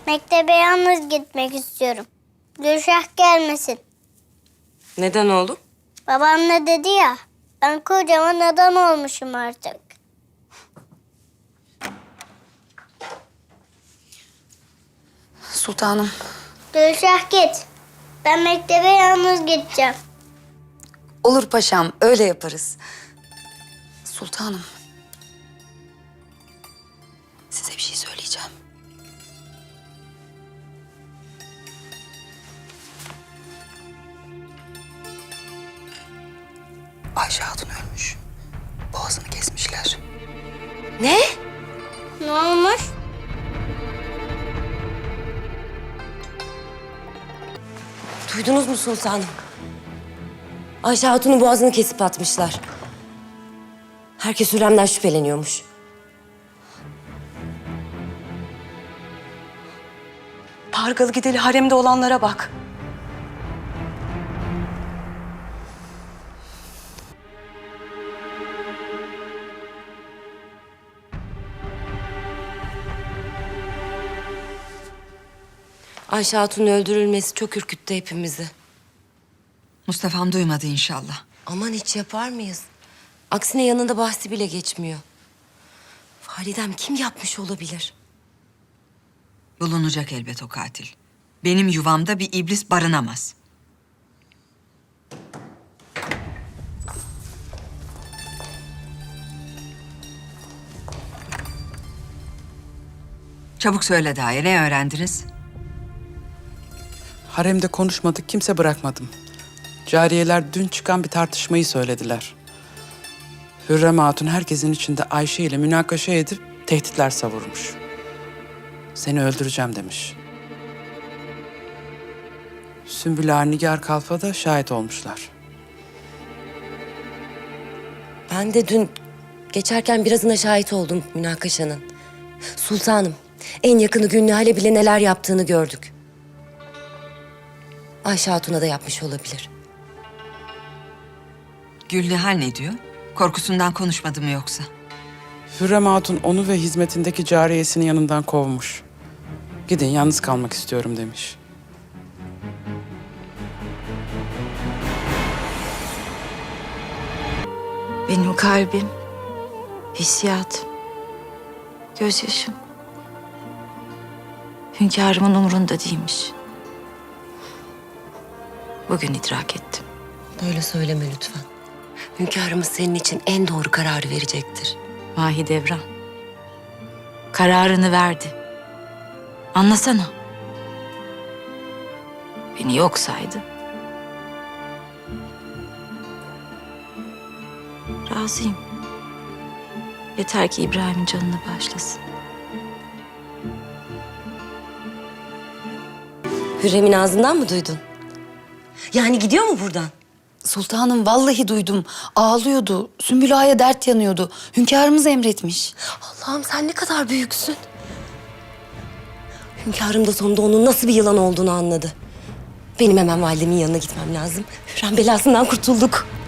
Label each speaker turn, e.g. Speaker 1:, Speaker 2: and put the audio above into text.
Speaker 1: Mektebe yalnız gitmek istiyorum. Gülşah gelmesin.
Speaker 2: Neden oğlum?
Speaker 1: Babam ne dedi ya, ben kocaman adam olmuşum artık.
Speaker 3: Sultanım.
Speaker 1: Gülşah git. Ben mektebe yalnız gideceğim.
Speaker 3: Olur paşam, öyle yaparız. Sultanım. Size bir şey söyleyeceğim. Ayşe Hatun ölmüş. Boğazını kesmişler.
Speaker 2: Ne?
Speaker 1: Ne olmuş?
Speaker 2: Duydunuz mu sultanım? Ayşe Hatun'un boğazını kesip atmışlar. Herkes Hürrem'den şüpheleniyormuş.
Speaker 4: Pargalı gideli haremde olanlara bak.
Speaker 2: Ayşe Hatun'un öldürülmesi çok ürküttü hepimizi.
Speaker 5: Mustafa'm duymadı inşallah.
Speaker 2: Aman hiç yapar mıyız? Aksine yanında bahsi bile geçmiyor. Validem kim yapmış olabilir?
Speaker 5: Bulunacak elbet o katil. Benim yuvamda bir iblis barınamaz. Çabuk söyle Daye, ne öğrendiniz?
Speaker 6: Haremde konuşmadık, kimse bırakmadım. Cariyeler dün çıkan bir tartışmayı söylediler. Hürrem Hatun herkesin içinde Ayşe ile münakaşa edip tehditler savurmuş. Seni öldüreceğim demiş. Sümbül Ağa, Nigar Kalfa da şahit olmuşlar.
Speaker 2: Ben de dün geçerken birazına şahit oldum münakaşanın. Sultanım, en yakını Gülnihal'e bile neler yaptığını gördük. Ayşe Hatun'a da yapmış olabilir.
Speaker 5: Gülnihal ne diyor? Korkusundan konuşmadı mı yoksa?
Speaker 6: Hürrem Hatun onu ve hizmetindeki cariyesini yanından kovmuş. Gidin, yalnız kalmak istiyorum demiş.
Speaker 7: Benim kalbim, hissiyatım, gözyaşım hünkârımın umrunda değilmiş. Bugün idrak ettim.
Speaker 2: Böyle söyleme lütfen. Hünkârımız senin için en doğru kararı verecektir.
Speaker 7: Mahidevran, kararını verdi. Anlasana. Beni yok saydı. Razıyım. Yeter ki İbrahim'in canını bağışlasın.
Speaker 2: Hürrem'in ağzından mı duydun? Yani gidiyor mu buradan?
Speaker 3: Sultanım, vallahi duydum. Ağlıyordu. Sümbül Ağa'ya dert yanıyordu. Hünkârımız emretmiş.
Speaker 2: Allah'ım sen ne kadar büyüksün. Hünkârım da sonunda onun nasıl bir yılan olduğunu anladı. Benim hemen validemin yanına gitmem lazım. Hürrem belasından kurtulduk.